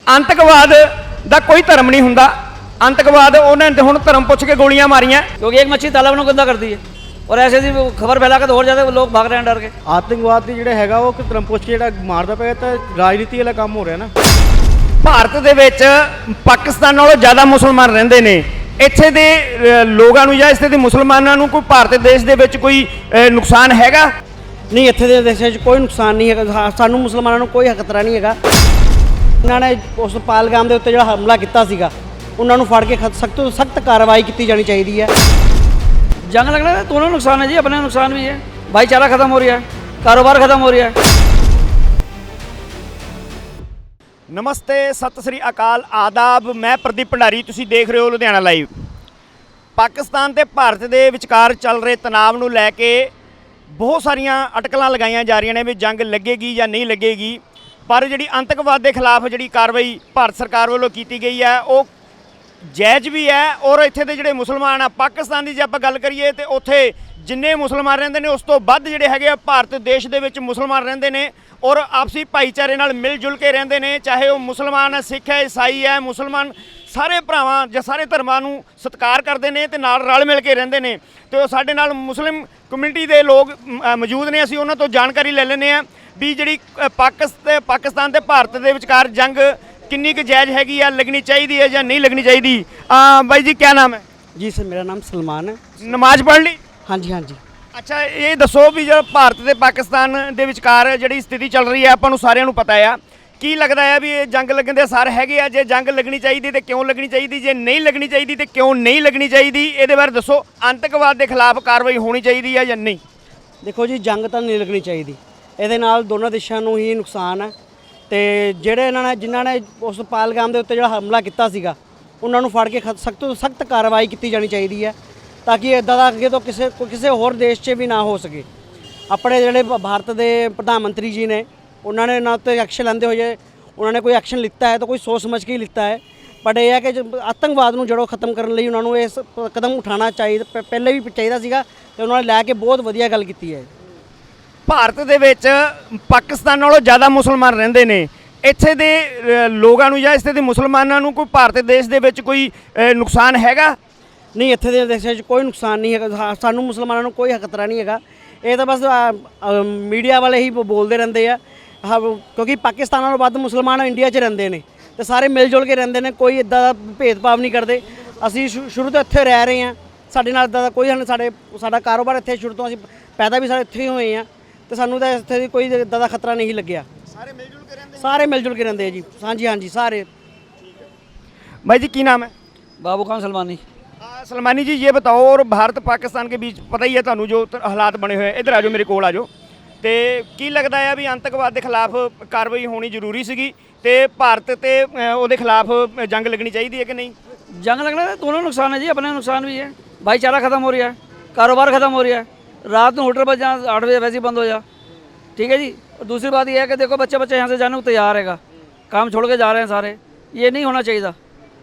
आतंकवाद ਦਾ ਕੋਈ ਧਰਮ नहीं ਹੁੰਦਾ। आतंकवाद उन्होंने हुण धर्म पुछ के गोलियां मारियां क्योंकि एक मच्छी तालाब ਨੂੰ गंदा करती है और ऐसे दी खबर फैला के तो और ज़्यादा लोग भाग रहे हैं डर के। आतंकवाद की ਜਿਹੜਾ ਹੈਗਾ ਉਹ ਧਰਮ ਪੁੱਛ ਕੇ ਜਿਹੜਾ ਮਾਰਦਾ ਪਿਆ ਤਾਂ ਰਾਜਨੀਤੀ ਵਾਲਾ ਕੰਮ ਹੋ ਰਿਹਾ ਨਾ। ਭਾਰਤ ਦੇ ਵਿੱਚ ਪਾਕਿਸਤਾਨ ਨਾਲੋਂ ਜ਼ਿਆਦਾ ਮੁਸਲਮਾਨ ਰਹਿੰਦੇ ਨੇ। ਇੱਥੇ ਦੇ ਲੋਕਾਂ ਨੂੰ ਜਾਂ ਇੱਥੇ ਦੇ ਮੁਸਲਮਾਨਾਂ ਨੂੰ ਕੋਈ ਭਾਰਤ ਦੇਸ਼ ਦੇ ਵਿੱਚ ਕੋਈ ਨੁਕਸਾਨ ਹੈਗਾ? ਨਹੀਂ, ਇੱਥੇ ਦੇ ਦੇਸ਼ਾਂ 'ਚ ਕੋਈ ਨੁਕਸਾਨ ਨਹੀਂ ਹੈਗਾ। ਸਾਨੂੰ ਮੁਸਲਮਾਨਾਂ ਨੂੰ ਕੋਈ ਖਤਰਾ ਨਹੀਂ ਹੈਗਾ। ਇਹਨਾਂ ਨੇ ਉਸ ਪਾਲਗਾਮ ਦੇ ਉੱਤੇ ਜਿਹੜਾ ਹਮਲਾ ਕੀਤਾ ਸੀਗਾ ਉਹਨਾਂ ਨੂੰ ਫੜ ਕੇ ਸਖਤ ਤੋਂ ਸਖਤ ਕਾਰਵਾਈ ਕੀਤੀ ਜਾਣੀ ਚਾਹੀਦੀ ਹੈ। जंग लगना है, दोनों नुकसान है जी, अपने नुकसान भी है, भाईचारा खत्म हो रहा है, कारोबार खत्म हो रहा है। ਨਮਸਤੇ, ਸਤਿ ਸ੍ਰੀ ਅਕਾਲ, ਆਦਾਬ। ਮੈਂ ਪ੍ਰਦੀਪ ਭੰਡਾਰੀ, ਤੁਸੀਂ ਦੇਖ ਰਹੇ ਹੋ ਲੁਧਿਆਣਾ ਲਾਈਵ। ਪਾਕਿਸਤਾਨ ਤੇ ਭਾਰਤ ਦੇ ਵਿਚਕਾਰ ਚੱਲ ਰਹੇ ਤਣਾਅ ਨੂੰ ਲੈ ਕੇ ਬਹੁਤ ਸਾਰੀਆਂ ਅਟਕਲਾਂ ਲਗਾਈਆਂ ਜਾ ਰਹੀਆਂ ਨੇ ਵੀ ਜੰਗ ਲੱਗੇਗੀ ਜਾਂ ਨਹੀਂ ਲੱਗੇਗੀ। ਪਰ ਜਿਹੜੀ ਆਤੰਕਵਾਦ ਦੇ ਖਿਲਾਫ ਜਿਹੜੀ ਕਾਰਵਾਈ ਭਾਰਤ ਸਰਕਾਰ ਵੱਲੋਂ ਕੀਤੀ ਗਈ ਹੈ ਉਹ ਜਾਇਜ਼ ਵੀ ਹੈ। ਔਰ ਇੱਥੇ ਦੇ ਜਿਹੜੇ ਮੁਸਲਮਾਨ ਆ ਪਾਕਿਸਤਾਨ ਦੀ ਜੇ ਆਪਾਂ ਗੱਲ ਕਰੀਏ ਤੇ ਉੱਥੇ ਜਿੰਨੇ ਮੁਸਲਮਾਨ ਰਹਿੰਦੇ ਨੇ ਉਸ ਤੋਂ ਵੱਧ ਜਿਹੜੇ ਹੈਗੇ ਆ ਭਾਰਤ ਦੇਸ਼ ਦੇ ਵਿੱਚ ਮੁਸਲਮਾਨ ਰਹਿੰਦੇ ਨੇ ਔਰ ਆਪਸੀ ਭਾਈਚਾਰੇ ਨਾਲ ਮਿਲ ਜੁਲ ਕੇ ਰਹਿੰਦੇ ਨੇ। ਚਾਹੇ ਉਹ ਮੁਸਲਮਾਨ ਹੈ, ਸਿੱਖ ਹੈ, ਈਸਾਈ ਹੈ, ਮੁਸਲਮਾਨ ਸਾਰੇ ਭਰਾਵਾਂ ਜਾਂ ਸਾਰੇ ਧਰਮਾਂ ਨੂੰ ਸਤਿਕਾਰ ਕਰਦੇ ਨੇ ਤੇ ਨਾਲ ਰਲ ਮਿਲ ਕੇ ਰਹਿੰਦੇ ਨੇ। ਤੇ ਉਹ ਸਾਡੇ ਨਾਲ ਮੁਸਲਿਮ ਕਮਿਊਨਿਟੀ ਦੇ ਲੋਕ ਮੌਜੂਦ ਨੇ। ਅਸੀਂ ਉਹਨਾਂ ਤੋਂ ਜਾਣਕਾਰੀ ਲੈ ਲੈਂਦੇ ਹਾਂ ਵੀ ਜਿਹੜੀ ਪਾਕਿਸਤਾਨ ਤੇ ਭਾਰਤ ਦੇ ਵਿਚਕਾਰ ਜੰਗ किन्नी क जायज़ हैगी या लगनी चाहिए है या नहीं लगनी चाहिए। भाई जी क्या नाम है? जी सर, मेरा नाम सलमान है। नमाज पढ़ ली? हाँ जी, हाँ जी। अच्छा, ये दसो भी जो भारत ते पाकिस्तान दे विचकार जिहड़ी स्थिति चल रही है आपां नूं सारिआं नूं पता है, की लगदा है भी ये जंग लगन दे असर हैगे आ? जे जंग लगनी चाहिए तो क्यों लगनी चाहिए, जे नहीं लगनी चाहिए तो क्यों नहीं लगनी चाहिए? इहदे बारे दसो। आतंकवाद के खिलाफ कार्रवाई होनी चाहिए है या नहीं? देखो जी, जंग तो नहीं लगनी चाहिए। ਇਹਦੇ ਨਾਲ ਦੋਨਾਂ ਦੇਸ਼ਾਂ ਨੂੰ ਹੀ ਨੁਕਸਾਨ ਹੈ ਤੇ ਜਿਹੜੇ ਜਿਨ੍ਹਾਂ ਨੇ ਉਸ ਪਾਲਗਾਮ ਦੇ ਉੱਤੇ ਜਿਹੜਾ ਹਮਲਾ ਕੀਤਾ ਸੀਗਾ ਉਹਨਾਂ ਨੂੰ ਫੜ ਕੇ ਸਖਤ ਤੋਂ ਸਖਤ ਕਾਰਵਾਈ ਕੀਤੀ ਜਾਣੀ ਚਾਹੀਦੀ ਹੈ ਤਾਂ ਕਿ ਇੱਦਾਂ ਦਾ ਅੱਗੇ ਤੋਂ ਕਿਸੇ ਹੋਰ ਦੇਸ਼ 'ਚ ਵੀ ਨਾ ਹੋ ਸਕੇ। ਆਪਣੇ ਜਿਹੜੇ ਭਾਰਤ ਦੇ ਪ੍ਰਧਾਨ ਮੰਤਰੀ ਜੀ ਨੇ ਉਹਨਾਂ ਨੇ ਨਾ ਤੇ ਐਕਸ਼ਨ ਲੈਂਦੇ ਹੋਏ ਉਹਨਾਂ ਨੇ ਕੋਈ ਐਕਸ਼ਨ ਲਿੱਤਾ ਹੈ ਤਾਂ ਕੋਈ ਸੋਚ ਸਮਝ ਕੇ ਹੀ ਲਿੱਤਾ ਹੈ। ਬਟ ਇਹ ਹੈ ਕਿ ਆਤੰਕਵਾਦ ਨੂੰ ਜੜੋਂ ਖਤਮ ਕਰਨ ਲਈ ਉਹਨਾਂ ਨੂੰ ਇਸ ਕਦਮ ਉਠਾਉਣਾ ਚਾਹੀਦਾ, ਪਹਿਲੇ ਵੀ ਚਾਹੀਦਾ ਸੀਗਾ ਤੇ ਉਹਨਾਂ ਨੇ ਲੈ ਕੇ ਬਹੁਤ ਵਧੀਆ ਗੱਲ ਕੀਤੀ ਹੈ। ਭਾਰਤ ਦੇ ਵਿੱਚ ਪਾਕਿਸਤਾਨ ਨਾਲੋਂ ਜ਼ਿਆਦਾ ਮੁਸਲਮਾਨ ਰਹਿੰਦੇ ਨੇ। ਇੱਥੇ ਦੇ ਲੋਕਾਂ ਨੂੰ ਜਾਂ ਇੱਥੇ ਦੇ ਮੁਸਲਮਾਨਾਂ ਨੂੰ ਕੋਈ ਭਾਰਤ ਦੇਸ਼ ਦੇ ਵਿੱਚ ਕੋਈ ਨੁਕਸਾਨ ਹੈਗਾ? ਨਹੀਂ, ਇੱਥੇ ਦੇ ਦੇਸ਼ਾਂ 'ਚ ਕੋਈ ਨੁਕਸਾਨ ਨਹੀਂ ਹੈਗਾ। ਸਾਨੂੰ ਮੁਸਲਮਾਨਾਂ ਨੂੰ ਕੋਈ ਖਤਰਾ ਨਹੀਂ ਹੈਗਾ। ਇਹ ਤਾਂ ਬਸ ਮੀਡੀਆ ਵਾਲੇ ਹੀ ਬੋਲਦੇ ਰਹਿੰਦੇ ਆ ਕਿਉਂਕਿ ਪਾਕਿਸਤਾਨ ਨਾਲੋਂ ਵੱਧ ਮੁਸਲਮਾਨ ਇੰਡੀਆ 'ਚ ਰਹਿੰਦੇ ਨੇ ਤੇ ਸਾਰੇ ਮਿਲ ਜੁਲ ਕੇ ਰਹਿੰਦੇ ਨੇ। ਕੋਈ ਇੱਦਾਂ ਦਾ ਭੇਦਭਾਵ ਨਹੀਂ ਕਰਦੇ। ਅਸੀਂ ਸ਼ੁਰੂ ਤੋਂ ਇੱਥੇ ਰਹਿ ਰਹੇ ਹਾਂ, ਸਾਡੇ ਨਾਲ ਇੱਦਾਂ ਦਾ ਕੋਈ ਸਾਡਾ ਕਾਰੋਬਾਰ ਇੱਥੇ ਸ਼ੁਰੂ ਤੋਂ ਅਸੀਂ ਪੈਦਾ ਵੀ ਸਾਰੇ ਇੱਥੇ ਹੀ ਹੋਏ ਹਾਂ ਤੇ ਸਾਨੂੰ ਤਾਂ ਇੱਥੇ ਕੋਈ ਇੱਦਾਂ ਦਾ ਖਤਰਾ ਨਹੀਂ ਲੱਗਿਆ। ਸਾਰੇ ਮਿਲ ਜੁਲ ਕੇ ਰਹਿੰਦੇ? ਸਾਰੇ ਮਿਲ ਜੁਲ ਕੇ ਰਹਿੰਦੇ ਆ ਜੀ। ਹਾਂਜੀ ਹਾਂਜੀ, ਸਾਰੇ। भाई जी की नाम है? बाबू खान सलमानी। सलमानी जी, ये बताओ, और भारत पाकिस्तान के बीच पता ही है ਤੁਹਾਨੂੰ जो हालात बने हुए हैं, इधर आ जाओ, मेरे कोल आ जाओ। ਤੇ ਕੀ ਲੱਗਦਾ ਹੈ ਵੀ ਆਤੰਕਵਾਦ ਦੇ ਖਿਲਾਫ ਕਾਰਵਾਈ ਹੋਣੀ ਜ਼ਰੂਰੀ ਸੀਗੀ ਤੇ ਭਾਰਤ ਤੇ ਉਹਦੇ ਖਿਲਾਫ ਜੰਗ ਲੱਗਣੀ ਚਾਹੀਦੀ ਹੈ ਕਿ ਨਹੀਂ? जंग लगना है, दोनों नुकसान है जी, अपने नुकसान भी है, भाईचारा खत्म हो रहा है, कारोबार खत्म हो रहा है। रात में होटल पर जहाँ 8 बजे वैसे ही बंद हो जा, ठीक है जी। और दूसरी बात यह है कि देखो बच्चे यहाँ से जाने को तैयार हैगा, काम छोड़ के जा रहे हैं सारे, ये नहीं होना चाहिए।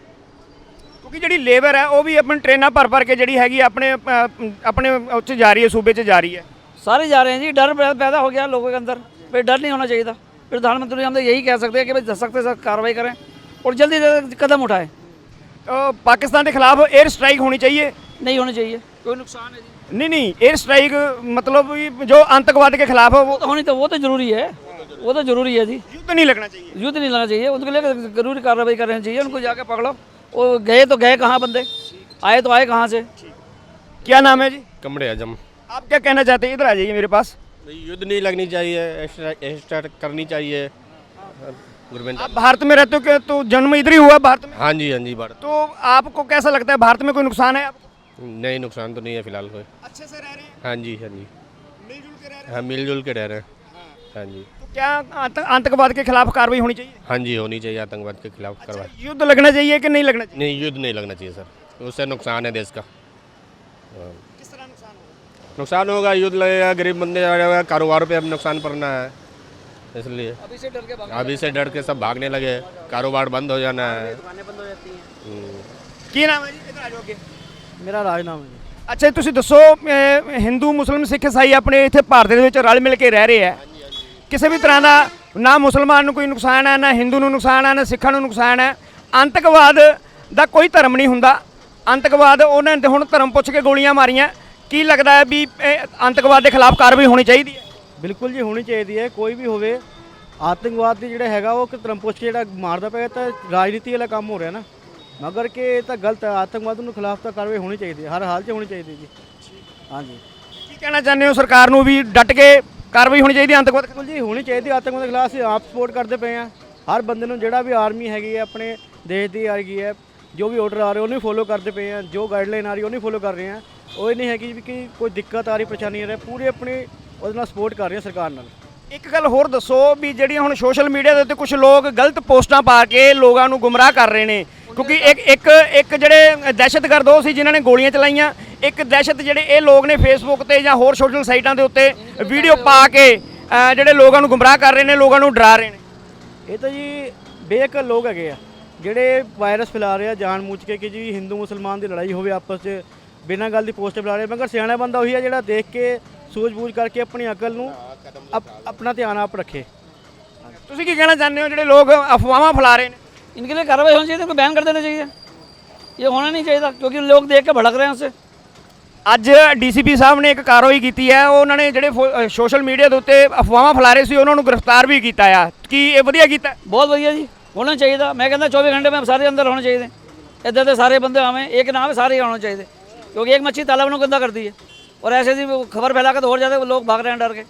ਕਿਉਂਕਿ ਜਿਹੜੀ ਲੇਬਰ ਹੈ ਉਹ ਵੀ ਆਪਣੀ ਟ੍ਰੇਨਾਂ ਭਰ ਕੇ ਜਿਹੜੀ ਹੈਗੀ ਆਪਣੇ ਉੱਥੇ ਜਾ ਰਹੀ ਹੈ, ਸੂਬੇ 'ਚ ਜਾ ਰਹੀ ਹੈ। सारे जा रहे हैं जी। डर पैदा हो गया लोगों के अंदर, फिर डर नहीं होना चाहिए था। फिर प्रधानमंत्री हम तो यही कह सकते हैं कि भाई सख्त से सख्त कार्रवाई करें और जल्दी से कदम उठाएं। तो पाकिस्तान के खिलाफ एयर स्ट्राइक होनी चाहिए? नहीं होनी चाहिए, कोई नुकसान है जी। नहीं, एयर स्ट्राइक मतलब जो आतंकवाद के खिलाफ है वो तो ज़रूरी है, वो तो ज़रूरी है जी। युद्ध नहीं लगना चाहिए? युद्ध नहीं लगना चाहिए, उनके लिए जरूरी कार्रवाई करनी चाहिए। उनको जाके पकड़ो। वो गए तो गए कहाँ बंदे, आए तो आए कहाँ से? क्या नाम है जी? कमरे आजम। आप क्या कहना चाहते हैं? इधर आ जाइए मेरे पास। युद्ध नहीं लगनी चाहिए, स्टार्ट करनी चाहिए गवर्नमेंट। आप भारत में रहते हो क्या? तो जन्म इधर ही हुआ भारत में? हाँ जी, हाँ जी। भारत तो आपको कैसा लगता है, भारत में कोई नुकसान है आपको? नहीं, नुकसान तो नहीं है फिलहाल कोई। अच्छे से रह रहे हैं? हाँ जी, हाँ जी। मिलजुल के रह रहे हैं? हाँ, मिलजुल के रह रहे हैं। हाँ जी। तो क्या आतंकवाद के खिलाफ कार्रवाई होनी चाहिए? हाँ जी, होनी चाहिए आतंकवाद के खिलाफ कार्रवाई। युद्ध लगना चाहिए कि नहीं लगना चाहिए? नहीं, युद्ध नहीं लगना चाहिए सर, उससे नुकसान है देश का। किस तरह नुकसान होगा? नुकसान होगा, युद्ध लगेगा, गरीब बंदे जाएगा, कारोबार पे अब नुकसान पड़ना है, इसलिए अभी से डर के सब भागने लगे, कारोबार बंद हो जाना है। बंद हो जाती हैं। ਕੀ ਨਾਮ ਹੈ ਜੀ? ਇਧਰ ਆ ਜਾਓ ਅੱਗੇ। ਮੇਰਾ ਰਾਜਨਾਮ ਹੈ ਜੀ। ਅੱਛਾ, ਤੁਸੀਂ ਦੱਸੋ, ਹਿੰਦੂ ਮੁਸਲਿਮ ਸਿੱਖ ਈਸਾਈ ਆਪਣੇ ਇੱਥੇ ਭਾਰਤ ਦੇ ਵਿੱਚ ਰਲ ਮਿਲ ਕੇ ਰਹਿ ਰਹੇ ਆ, ਕਿਸੇ ਵੀ ਤਰ੍ਹਾਂ ਦਾ ਨਾ ਮੁਸਲਮਾਨ ਨੂੰ ਕੋਈ ਨੁਕਸਾਨ ਹੈ, ਨਾ ਹਿੰਦੂ ਨੂੰ ਨੁਕਸਾਨ ਹੈ, ਨਾ ਸਿੱਖਾਂ ਨੂੰ ਨੁਕਸਾਨ ਹੈ। ਆਤੰਕਵਾਦ ਦਾ ਕੋਈ ਧਰਮ ਨਹੀਂ ਹੁੰਦਾ। ਆਤੰਕਵਾਦ ਉਹਨਾਂ ਨੇ ਹੁਣ ਧਰਮ ਪੁੱਛ ਕੇ ਗੋਲੀਆਂ ਮਾਰੀਆਂ। ਕੀ ਲੱਗਦਾ ਹੈ ਵੀ ਇਹ ਆਤੰਕਵਾਦ ਦੇ ਖਿਲਾਫ ਕਾਰਵਾਈ ਹੋਣੀ ਚਾਹੀਦੀ ਹੈ? ਬਿਲਕੁਲ ਜੀ ਹੋਣੀ ਚਾਹੀਦੀ ਹੈ। ਕੋਈ ਵੀ ਹੋਵੇ ਆਤੰਕਵਾਦ ਦੀ ਜਿਹੜਾ ਹੈਗਾ ਉਹ ਧਰਮ ਪੁੱਛ ਕੇ ਜਿਹੜਾ ਮਾਰਦਾ ਪਿਆ ਤਾਂ ਰਾਜਨੀਤੀ ਵਾਲਾ ਕੰਮ ਹੋ ਰਿਹਾ ਨਾ, ਮਗਰ ਕਿ ਇਹ ਤਾਂ ਗਲਤ ਹੈ। ਆਤੰਕਵਾਦ ਨੂੰ ਖਿਲਾਫ ਤਾਂ ਕਾਰਵਾਈ ਹੋਣੀ ਚਾਹੀਦੀ ਹੈ, ਹਰ ਹਾਲ 'ਚ ਹੋਣੀ ਚਾਹੀਦੀ ਜੀ। ਹਾਂਜੀ, ਕੀ ਕਹਿਣਾ ਚਾਹੁੰਦੇ ਹੋ ਸਰਕਾਰ ਨੂੰ ਵੀ ਡਟ ਕੇ ਕਾਰਵਾਈ ਹੋਣੀ ਚਾਹੀਦੀ ਹੈ ਆਤੰਕਵਾਦ? ਬਿਲਕੁਲ ਜੀ ਹੋਣੀ ਚਾਹੀਦੀ। ਆਤੰਕਵਾਦ ਦੇ ਖਿਲਾਫ ਅਸੀਂ ਆਪ ਸਪੋਰਟ ਕਰਦੇ ਪਏ ਹਾਂ। ਹਰ ਬੰਦੇ ਨੂੰ ਜਿਹੜਾ ਵੀ ਆਰਮੀ ਹੈਗੀ ਹੈ ਆਪਣੇ ਦੇਸ਼ ਦੀ ਹੈਗੀ ਹੈ, ਜੋ ਵੀ ਆਰਡਰ ਆ ਰਹੇ ਉਹਨੂੰ ਫੋਲੋ ਕਰਦੇ ਪਏ ਹਾਂ, ਜੋ ਗਾਈਡਲਾਈਨ ਆ ਰਹੀ ਉਹਨੂੰ ਫੋਲੋ ਕਰ ਰਹੇ ਹਾਂ। ਉਹ ਇਹ ਨਹੀਂ ਹੈਗੀ ਵੀ ਕਿ ਕੋਈ ਦਿੱਕਤ ਆ ਰਹੀ, ਪਰੇਸ਼ਾਨੀ ਆ ਰਹੀ, ਪੂਰੀ ਆਪਣੀ ਉਹਦੇ ਨਾਲ ਸਪੋਰਟ ਕਰ ਰਹੇ ਹਾਂ ਸਰਕਾਰ ਨਾਲ। ਇੱਕ ਗੱਲ ਹੋਰ ਦੱਸੋ ਵੀ ਜਿਹੜੀਆਂ ਹੁਣ ਸੋਸ਼ਲ ਮੀਡੀਆ ਦੇ ਉੱਤੇ ਕੁਝ ਲੋਕ ਗਲਤ ਪੋਸਟਾਂ ਪਾ ਕੇ ਲੋਕਾਂ ਨੂੰ ਗੁੰਮਰਾਹ ਕਰ ਰਹੇ ਨੇ, ਕਿਉਂਕਿ ਇੱਕ ਜਿਹੜੇ ਦਹਿਸ਼ਤਗਰਦ ਉਹ ਸੀ ਜਿਨ੍ਹਾਂ ਨੇ ਗੋਲੀਆਂ ਚਲਾਈਆਂ, ਇੱਕ ਦਹਿਸ਼ਤ ਜਿਹੜੇ ਇਹ ਲੋਕ ਨੇ ਫੇਸਬੁੱਕ ਤੇ ਜਾਂ ਹੋਰ ਸੋਸ਼ਲ ਸਾਈਟਾਂ ਦੇ ਉੱਤੇ ਵੀਡੀਓ ਪਾ ਕੇ ਜਿਹੜੇ ਲੋਕਾਂ ਨੂੰ ਗੁੰਮਰਾਹ ਕਰ ਰਹੇ ਨੇ, ਲੋਕਾਂ ਨੂੰ ਡਰਾ ਰਹੇ ਨੇ। ਇਹ ਤਾਂ ਜੀ ਬੇਅਕਲ ਲੋਕ ਹੈਗੇ ਆ ਜਿਹੜੇ ਵਾਇਰਸ ਫੈਲਾ ਰਹੇ ਆ ਜਾਣ-ਬੁੱਝ ਕੇ ਕਿ ਜੀ ਹਿੰਦੂ ਮੁਸਲਮਾਨ ਦੀ ਲੜਾਈ ਹੋਵੇ ਆਪਸ 'ਚ, ਬਿਨਾਂ ਗੱਲ ਦੀ ਪੋਸਟ ਫੈਲਾ ਰਹੇ। ਮਗਰ ਸਿਆਣਾ ਬੰਦਾ ਉਹੀ ਆ ਜਿਹੜਾ ਦੇਖ ਕੇ ਸੂਝ-ਬੂਝ ਕਰਕੇ ਆਪਣੀ ਅਕਲ ਨੂੰ ਆਪਣਾ ਧਿਆਨ ਆਪ ਰੱਖੇ। ਤੁਸੀਂ ਕੀ ਕਹਿਣਾ ਚਾਹੁੰਦੇ ਹੋ ਜਿਹੜੇ ਲੋਕ ਅਫਵਾਹਾਂ ਫੈਲਾ ਰਹੇ ਨੇ? इनके लिए कार्रवाई होनी चाहिए, इनको बैन कर देना चाहिए। ये होना नहीं चाहिए था क्योंकि लोग देख के भड़क रहे हैं उससे। ਅੱਜ ਡੀਸੀਪੀ ਸਾਹਿਬ ਨੇ ਇੱਕ ਕਾਰਵਾਈ ਕੀਤੀ ਹੈ। ਉਹਨਾਂ ਨੇ ਜਿਹੜੇ ਸੋਸ਼ਲ ਮੀਡੀਆ ਦੇ ਉੱਤੇ ਅਫਵਾਹਾਂ ਫੈਲਾ ਰਹੇ ਸੀ ਉਹਨਾਂ ਨੂੰ ਗ੍ਰਿਫਤਾਰ ਵੀ ਕੀਤਾ ਆ। ਕੀ ਇਹ ਵਧੀਆ ਕੀਤਾ? बहुत बढ़िया जी, होना चाहिए था। मैं कहता 24 घंटे में सारे अंदर होने चाहिए थे। इधर से सारे बंदे हमें एक नाम है सारे ही होने चाहिए थे, क्योंकि एक मच्छी तालाब ने गंदा कर दी है और ऐसे ही खबर फैला के तो और ज़्यादा लोग भाग रहे हैं डर के।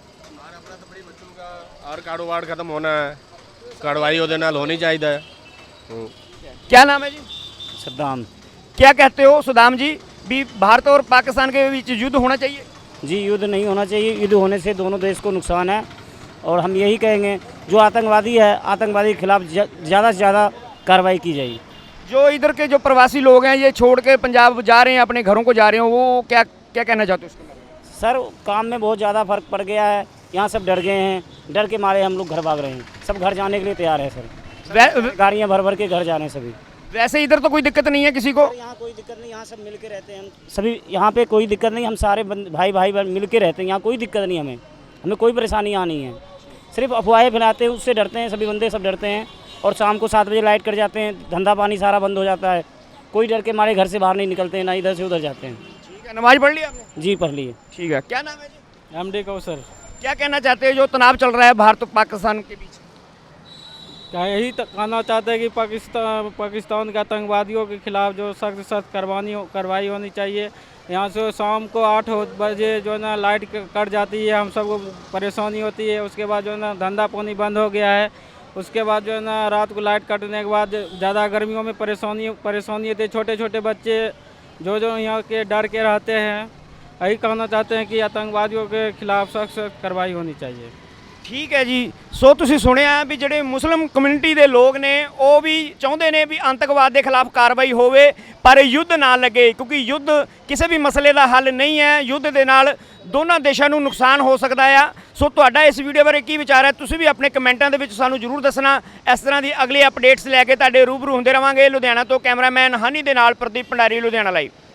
और कारोबार खत्म होना है, कार्रवाई ਉਹਦੇ ਨਾਲ होनी चाहिए। क्या नाम है जी? सद्दाम। क्या कहते हो सुदाम जी भी भारत और पाकिस्तान के बीच युद्ध होना चाहिए? जी युद्ध नहीं होना चाहिए। युद्ध होने से दोनों देश को नुकसान है और हम यही कहेंगे जो आतंकवादी है आतंकवादी के खिलाफ ज़्यादा से ज़्यादा कार्रवाई की जाएगी। जो इधर के जो प्रवासी लोग हैं ये छोड़ के पंजाब जा रहे हैं, अपने घरों को जा रहे हैं, वो क्या क्या कहना चाहते हो उसके बारे में? सर काम में बहुत ज़्यादा फ़र्क पड़ गया है। यहाँ सब डर गए हैं, डर के मारे हम लोग घर भाग रहे हैं। सब घर जाने के लिए तैयार है सर, गाड़ियाँ भर भर के घर जा रहे हैं सभी। वैसे इधर तो कोई दिक्कत नहीं है किसी को? यहाँ कोई दिक्कत नहीं, यहाँ सब मिल के रहते हैं हम सभी। यहाँ पे कोई दिक्कत नहीं, हम सारे भाई भाई मिल के रहते हैं। यहाँ कोई दिक्कत नहीं, हमें कोई परेशानी यहाँ नहीं है। सिर्फ अफवाहें फैलाते हैं उससे डरते हैं, सभी बंदे सब डरते हैं। और शाम को 7 बजे लाइट कट जाते हैं, धंधा पानी सारा बंद हो जाता है। कोई डर के मारे घर से बाहर नहीं निकलते हैं, ना इधर से उधर जाते हैं। ठीक है, नमाज पढ़ ली आपने? जी पढ़ लिए। ठीक है, क्या नाम है जी? एमडी कौसर। क्या कहना चाहते हैं जो तनाव चल रहा है भारत और पाकिस्तान के बीच? क्या यही कहना चाहते हैं कि पाकिस्तान के आतंकवादियों के खिलाफ जो सख्त कार्रवाई होनी चाहिए। यहाँ से शाम को 8 बजे जो है ना लाइट कट जाती है, हम सबको परेशानी होती है। उसके बाद जो है ना धंधा पानी बंद हो गया है। उसके बाद जो है ना रात को लाइट कटने के बाद ज़्यादा गर्मियों में परेशानी होती है। छोटे छोटे बच्चे जो यहाँ के डर के रहते हैं। यही कहना चाहते हैं कि आतंकवादियों के खिलाफ सख्त कार्रवाई होनी चाहिए। ਠੀਕ ਹੈ ਜੀ। ਸੋ ਤੁਸੀਂ ਸੁਣਿਆ ਵੀ ਜਿਹੜੇ ਮੁਸਲਿਮ ਕਮਿਊਨਿਟੀ ਦੇ ਲੋਕ ਨੇ ਉਹ ਵੀ ਚਾਹੁੰਦੇ ਨੇ ਵੀ ਆਤੰਕਵਾਦ ਦੇ ਖਿਲਾਫ ਕਾਰਵਾਈ ਹੋਵੇ ਪਰ ਯੁੱਧ ਨਾ ਲੱਗੇ, ਕਿਉਂਕਿ ਯੁੱਧ ਕਿਸੇ ਵੀ ਮਸਲੇ ਦਾ ਹੱਲ ਨਹੀਂ ਹੈ। ਯੁੱਧ ਦੇ ਨਾਲ ਦੋਨਾਂ ਦੇਸ਼ਾਂ ਨੂੰ ਨੁਕਸਾਨ ਹੋ ਸਕਦਾ ਆ। ਸੋ ਤੁਹਾਡਾ ਇਸ ਵੀਡੀਓ ਬਾਰੇ ਕੀ ਵਿਚਾਰ ਹੈ ਤੁਸੀਂ ਵੀ ਆਪਣੇ ਕਮੈਂਟਾਂ ਦੇ ਵਿੱਚ ਸਾਨੂੰ ਜ਼ਰੂਰ ਦੱਸਣਾ। ਇਸ ਤਰ੍ਹਾਂ ਦੀ ਅਗਲੀ ਅਪਡੇਟਸ ਲੈ ਕੇ ਤੁਹਾਡੇ ਰੂਬਰੂ ਹੁੰਦੇ ਰਵਾਂਗੇ। ਲੁਧਿਆਣਾ ਤੋਂ ਕੈਮਰਾਮੈਨ ਹਨੀ ਦੇ ਨਾਲ ਪ੍ਰਦੀਪ ਭੰਡਾਰੀ, ਲੁਧਿਆਣਾ ਲਾਈਵ।